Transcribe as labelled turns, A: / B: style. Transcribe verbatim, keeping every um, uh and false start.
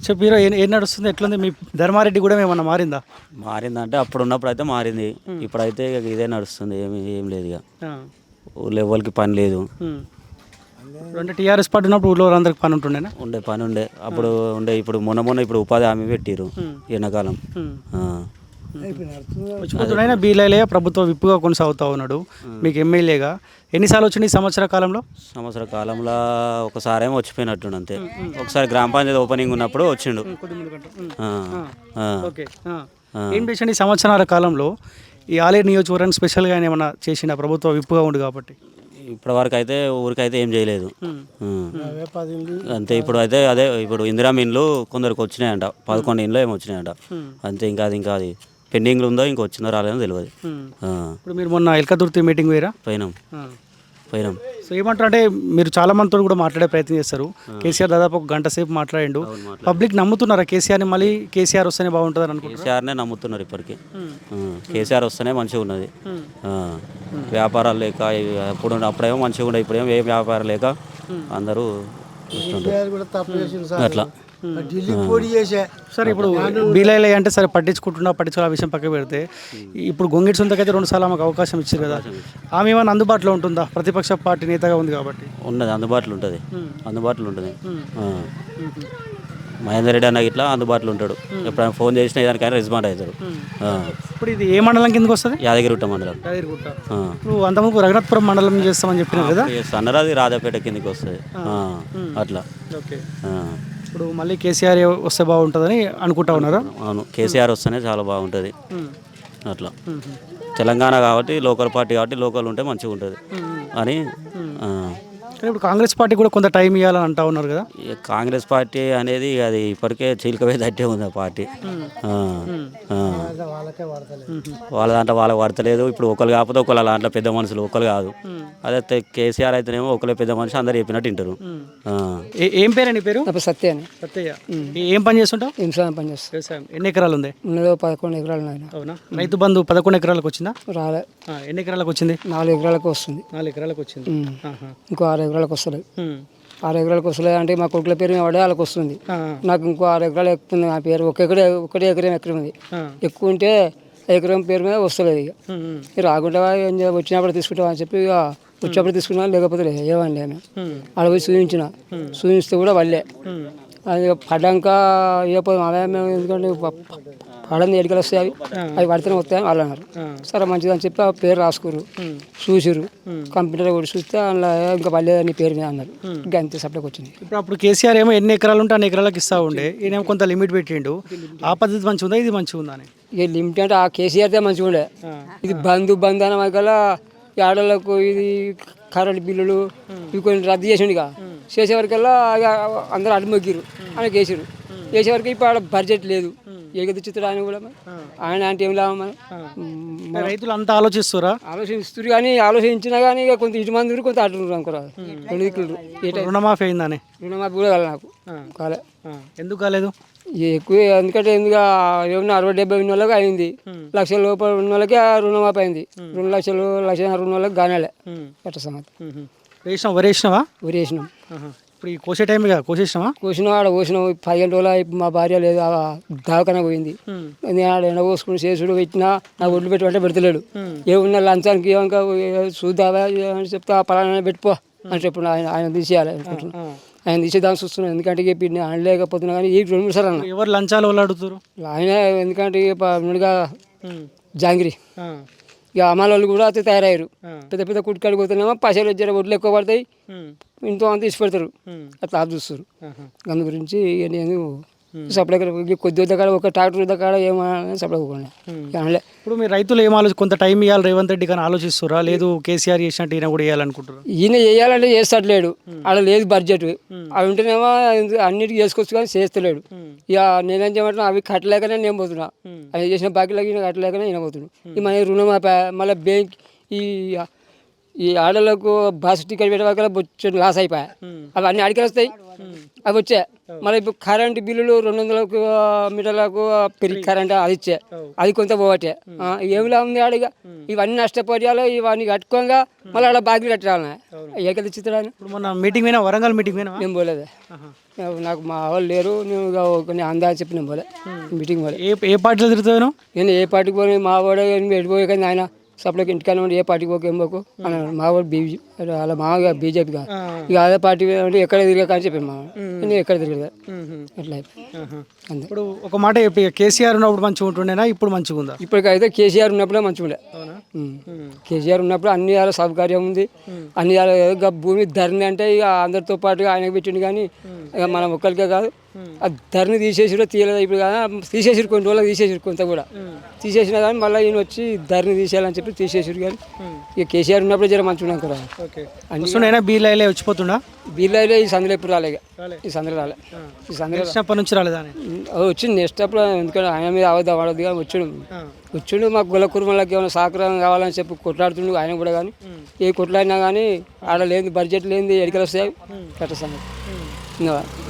A: చెప్పిరో ఏం ఏం నడుస్తుంది ఎట్లుంది మీ ధర్మారెడ్డి కూడా ఏమన్నా మారిందా?
B: మారిందంటే అప్పుడు ఉన్నప్పుడు అయితే మారింది. ఇప్పుడైతే ఇక ఇదే నడుస్తుంది. ఏమి ఏం లేదు ఇక
A: ఆ.
B: ఊళ్ళో ఎవరికి పని లేదు.
A: ఉమ్. ఇప్పుడు అంటే టీఆర్ఎస్ పార్టీ ఉన్నప్పుడు ఊళ్ళో అందరికి పని ఉంటుండేనా?
B: ఉండే పని ఉండే అప్పుడు ఉండే ఇప్పుడు మొన్న మొన్న ఇప్పుడు ఉపాధి హామీ పెట్టిరు ఎండాకాలం.
A: ఉమ్.
B: ఆ.
A: వచ్చిపోతున్నాయినా బీలైలే ప్రభుత్వ విప్పుగా కొనసాగుతూ ఉన్నాడు మీకు ఎమ్మెల్యేగా. ఎన్నిసార్లు వచ్చింది ఈ సంవత్సర కాలంలో?
B: సంవత్సర కాలంలో ఒకసారేమో వచ్చిపోయినట్టుండు అంతే. ఒకసారి గ్రామ పంచాయతీ ఓపెనింగ్ ఉన్నప్పుడు వచ్చిండు. ఆ. ఆ.
A: ఓకే. ఏం చేసిండు ఈ సంవత్సరాల కాలంలో ఈ ఆలేరు నియోజకవర్గానికి స్పెషల్గా ఆయన ఏమన్నా చేసిన ప్రభుత్వ విప్పుగా ఉంది కాబట్టి?
B: ఇప్పటి వరకు అయితే ఊరికైతే ఏం చేయలేదు. అంతే. ఇప్పుడు అయితే అదే ఇప్పుడు ఇందిరా ఇండ్లు కొందరికి వచ్చినాయంట, పదకొండు ఇండ్లు ఏమో వచ్చినాయంట అంతే. ఇంకా అది ఇంకా అది పెండింగ్లు ఉందో ఇంకా వచ్చిందో రాలేదో తెలియదు.
A: ఇప్పుడు మీరు మొన్న ఎల్కదుర్తి మీటింగ్ వేరా?
B: పోయినాం పోయినాం.
A: సో ఏమంటారు అంటే మీరు చాలా మందితో కూడా మాట్లాడే ప్రయత్నం చేస్తారు. కేసీఆర్ దాదాపు ఒక గంట సేపు మాట్లాడిండు. పబ్లిక్ నమ్ముతున్నారా కేసీఆర్ని? మళ్ళీ కేసీఆర్ వస్తేనే బాగుంటుంది అనుకుంటున్నారు?
B: కేసీఆర్నే నమ్ముతున్నారు ఇప్పటికీ. కేసీఆర్ వస్తేనే మంచిగా ఉన్నది. వ్యాపారాలు లేక అప్పుడు అప్పుడేమో మంచిగా ఉండే, ఇప్పుడేమో ఏ వ్యాపారం లేక అందరూ అట్లా.
A: సరే ఇప్పుడు బీలైలే అంటే సరే పట్టించుకుంటున్నా పట్టించుకున్న విషయం పక్క పెడితే ఇప్పుడు గొంగిడి సొంతకైతే రెండు సార్లు ఆమెకు అవకాశం ఇచ్చారు కదా, ఆమె ఏమైనా అందుబాటులో ఉంటుందా? ప్రతిపక్ష పార్టీ నేతగా ఉంది కాబట్టి.
B: ఉన్నది, అందుబాటులో ఉంటుంది. అందుబాటులో ఉంటుంది. మహేందర్ రెడ్డి అన్న ఇట్లా అందుబాటులో ఉంటాడు. ఎప్పుడైనా ఫోన్ చేసినా దానికైనా రెస్పాండ్ అవుతాడు.
A: ఇప్పుడు ఇది ఏ మండలం కిందకి వస్తుంది?
B: యాదగిరిగుట్ట మండలం.
A: ఇప్పుడు అంతకుముందు రఘునాథపురం మండలం చేస్తామని చెప్పినారు కదా?
B: అన్నారు, అది రాజాపేట కిందకి వస్తుంది అట్లా.
A: ఓకే. ఇప్పుడు మళ్ళీ కేసీఆర్ వస్తే బాగుంటుందని అనుకుంటా ఉన్నారా?
B: అవును, కేసీఆర్ వస్తేనే చాలా బాగుంటుంది అట్లా. తెలంగాణ కాబట్టి లోకల్ పార్టీ కాబట్టి లోకల్ ఉంటే మంచిగా ఉంటుంది అని.
A: ఇప్పుడు కాంగ్రెస్ పార్టీ కూడా కొంత టైం ఇవ్వాలని అంటా ఉన్నారు కదా?
B: కాంగ్రెస్ పార్టీ అనేది అది ఇప్పటికే చీలికవే తట్టే ఉంది ఆ పార్టీ. వాళ్ళ దాంట్లో వాళ్ళకి పడతలేదు. ఇప్పుడు ఒకరు కాకపోతే ఒకళ్ళ దాంట్లో పెద్ద మనుషులు ఒకరు కాదు. అదే కేసీఆర్ అయితేనేమో ఒకళ్ళే పెద్ద మనిషి, అందరు చెప్పినట్టు వింటారు.
A: ఏం పేరు నీ పేరు?
C: సత్య అని.
A: సత్యయ్య. ఏం పని చేస్తుంటావు?
C: వ్యవసాయం పని చేస్తాను.
A: వ్యవసాయం. ఎన్ని ఎకరాలు ఉంది?
C: ఉన్నదో పదకొండు ఎకరాలు ఉన్నాయి.
A: అవునా? రైతు బంధు పదకొండు ఎకరాలకు వచ్చిందా?
C: రాలే.
A: ఎన్ని ఎకరాలకు వచ్చింది?
C: నాలుగు ఎకరాలకు వస్తుంది.
A: నాలుగు ఎకరాలకు వచ్చింది.
C: ఇంకో ఆరు ఎకరాలకు వస్తలేదు. ఆరు ఎకరాలకు వస్తలేదు అంటే మా కొడుకుల పేరు మీద పడే వాళ్ళకి వస్తుంది. నాకు ఇంకో ఆరు ఎకరాలు ఎక్కువ ఉంది. ఆ పేరు ఒక ఎకరే ఒకటే ఎకరం ఎకరం ఉంది. ఎక్కువ ఉంటే ఎకరం పేరు మీద వస్తలేదు. ఇక రాకుండా వచ్చినప్పుడు తీసుకుంటావా అని చెప్పి ఇక వచ్చినప్పుడు తీసుకున్నా, లేకపోతే ఏమండి ఆమె ఆడ పోయి చూపించిన. చూపిస్తే కూడా వాళ్ళే అది పడ్డాక ఇవ్వకపోతే అదే మేము ఎందుకంటే పడంది ఎడికలు వస్తాయి, అవి అవి పడితేనే వస్తాయని వాళ్ళు అన్నారు. సరే మంచిది అని చెప్పి ఆ పేరు రాసుకురు, చూసిరు. కంప్యూటర్ కూడా చూస్తే అందులో ఇంకా పర్లేదని పేరు మీద అన్నారు. ఇంకా అంతే సప్లైకి వచ్చింది.
A: ఇప్పుడు అప్పుడు కేసీఆర్ ఏమో ఎన్ని ఎకరాలు ఉంటే అన్ని ఎకరాలకు ఇస్తా ఉండే, ఈయన కొంత లిమిట్ పెట్టిండు. ఆ పద్ధతి మంచిగా ఉందా, ఇది మంచిగా ఉందా అని?
C: ఇక లిమిట్ అంటే ఆ కేసీఆర్దే మంచిగా ఉండే. ఇది బంధు బంధన వల్ల ఆడలకు ఇది కరెంట్ బిల్లులు ఇవి కొన్ని రద్దు చేసిండు. ఇక చేసేవరకల్లా అందరూ అడ్డుమొగ్గిరు అని వేసారు. వేసేవరకు ఇప్పుడు ఆడ బడ్జెట్ లేదు. ఏకదిచ్చుతాడు ఆయన కూడా. ఆయన అంటే ఏం లాభం? మన
A: రైతులు అంతా ఆలోచిస్తారా?
C: ఆలోచిస్తారు కానీ ఆలోచించినా కానీ ఇక కొంత ఇటు మంది కొంత అటు అనుకోరా. రెండు దిక్కులు.
A: రుణమాఫీ అయిందని?
C: రుణమాఫీ కూడా కాలే నాకు. కాలే.
A: ఎందుకు కాలేదు?
C: ఎక్కువ ఎందుకంటే ఎందుకు ఏమన్నా అరవై డెబ్బై ఉన్న వాళ్ళకి అయింది. లక్షల లోపల ఉన్న వాళ్ళకి రుణమాఫీ అయింది. రెండు లక్షలు లక్ష ఉన్న వాళ్ళకి గానాలే ఎట్ట సంగతి.
A: వేసినావు? వరి వేసినావా?
C: వరి వేసినాం.
A: ఇప్పుడు ఈ కోసే టైం కోసేసినావా?
C: కోసినాం. ఆడ కోసినాం. పదిహేను రోజులు మా భార్య లేదు, దావకనే పోయింది. నేను ఆడ ఎండ పోసుకుని చేసుడు పెట్టినా నా ఒడ్లు పెట్టుకుంటే పెడతలేడు. ఏమున్నా లంచానికి ఏమన్నా చూద్దావా అని చెప్తా పలానా పెట్టుకో అని చెప్పు. ఆయన ఆయన తీసేయాలి అనుకుంటున్నాను. ఆయన తీసేదాన్ని చూస్తున్నాను. ఎందుకంటే చెప్పి నేను అనలేకపోతున్నా కానీ ఈ రెండు మూడు సార్లు అన్న.
A: ఎవరు లంచాలు వాళ్ళు అడుగుతారు?
C: ఆయన ఎందుకంటే ముందుగా జాంగిరి ఇక అమ్మాల వాళ్ళు కూడా అయితే తయారయ్యారు. పెద్ద పెద్ద కుట్టుకాడికి పోతున్నామో పైసలు జర ఒడ్లు ఎక్కువ పడతాయి, ఇంతో అంత తీసి పెడతారు. అట్లా చూస్తారు. అందు గురించి నేను సప్లై కొద్ది దగ్గర ఒక ట్రాక్టర్ దగ్గర ఏమన్నా సప్లై అనలే.
A: ఇప్పుడు మీరు రైతులు ఏం ఆలోచి కొంత టైం ఇవ్వాలి రేవంత్ రెడ్డి కానీ ఆలోచిస్తారా? లేదు కేసీఆర్ చేసినట్టు ఈయన కూడా వేయాలనుకుంటారు?
C: ఈయన చేయాలంటే చేస్తట్లేడు. ఆడ లేదు బడ్జెట్. అవి ఉంటేనేమో అన్నిటికీ చేసుకోవచ్చు కానీ చేస్తలేడు. ఇక నేనేం చేయమంటున్నా అవి కట్టలేకనే నేను పోతున్నా. అవి చేసిన బాకీలకి ఈయన కట్టలేకనే ఈయన పోతున్నాడు. ఈ మన రుణమాఫీ మళ్ళీ బ్యాంక్ ఈ ఈ ఆడలకు బస్ టికెట్ పెట్టే వరకు బొచ్చు లాస్ అయిపోయాయి అవి అన్ని అడిగి వస్తాయి అవి వచ్చాయి మళ్ళీ ఇప్పుడు కరెంట్ బిల్లులు రెండు వందలకు మీటర్లకు పెరిగి కరెంట్ అది ఇచ్చే అది కొంత పోవటే ఏమిలా ఉంది ఆడిగా ఇవన్నీ నష్టపోయాలో ఇవన్నీ కట్టుకోగా మళ్ళీ ఆడ బాకీలు కట్టాలి ఏకది చిత్రాన్ని
A: ఇప్పుడు మొన్న మీటింగ్ పోయినా వరంగల్ మీటింగ్ పోయినా
C: నేను పోలేదు నాకు మా వాళ్ళు లేరు నేను ఇక కొన్ని అందా చెప్పి నేను పోలే మీటింగ్ పోలే
A: ఏ ఏ పార్టీలో తిరుగుతావు
C: నేను ఏ పార్టీకి పోయి మా వాడు ఎడిపోయే కానీ ఆయన సప్లైకి ఇంటికాడ ఉండి ఏ పార్టీకి పోక ఏం పోకు అన్నాడు మా వాడు బీజీ అలా మామూలుగా బీజేపీ కాదు ఇక అదే పార్టీ అంటే ఎక్కడ తిరిగా కానీ చెప్పాను మా నేను ఎక్కడ తిరగదు అట్లా అంతే
A: ఇప్పుడు ఒక మాట చెప్పి కేసీఆర్ ఉన్నప్పుడు మంచిగా ఉంటుండేనా ఇప్పుడు మంచిగా ఉందా
C: ఇప్పటికైతే కేసీఆర్ ఉన్నప్పుడే మంచిగా ఉండే కేసీఆర్ ఉన్నప్పుడు అన్ని యాల సౌకర్యం ఉంది అన్ని యాల ఇక భూమి ధరని అంటే ఇక అందరితో పాటుగా ఆయనకు పెట్టిండు కానీ ఇక మనం ఒక్కరికే కాదు ఆ ధరని తీసేసిరో తీయలేదు ఇప్పుడు కదా తీసేసిరు కొన్ని రోజులు తీసేసిరు కొంత కూడా తీసేసినా కానీ మళ్ళీ ఈయన వచ్చి ధరని తీసేయాలని చెప్పి తీసేసిరు కానీ ఇక కేసీఆర్ ఉన్నప్పుడు జర మంచిగా ఉన్నాం కదా
A: అన్ని బీలైలే వచ్చిపోతుండా
C: బీర్లైలే ఈ సందులో ఎప్పుడు రాలే ఈ సందులో రాలే ఈ సందులో
A: వచ్చినప్పటి నుంచి రాలేదా
C: వచ్చింది నెక్స్ట్ అప్పుడు ఎందుకంటే ఆయన మీద అవద్దు అవడద్దు కానీ వచ్చాడు వచ్చిండు మాకు గొల్ల కుటుంబాలకు ఏమైనా సహకారం కావాలని చెప్పి కొట్లాడుతుండు ఆయన కూడా కానీ ఏ కొట్లాడినా కానీ ఆడ లేని బడ్జెట్ లేని ఎడికలు వస్తాయి కట్ట సంగతి ఇంకా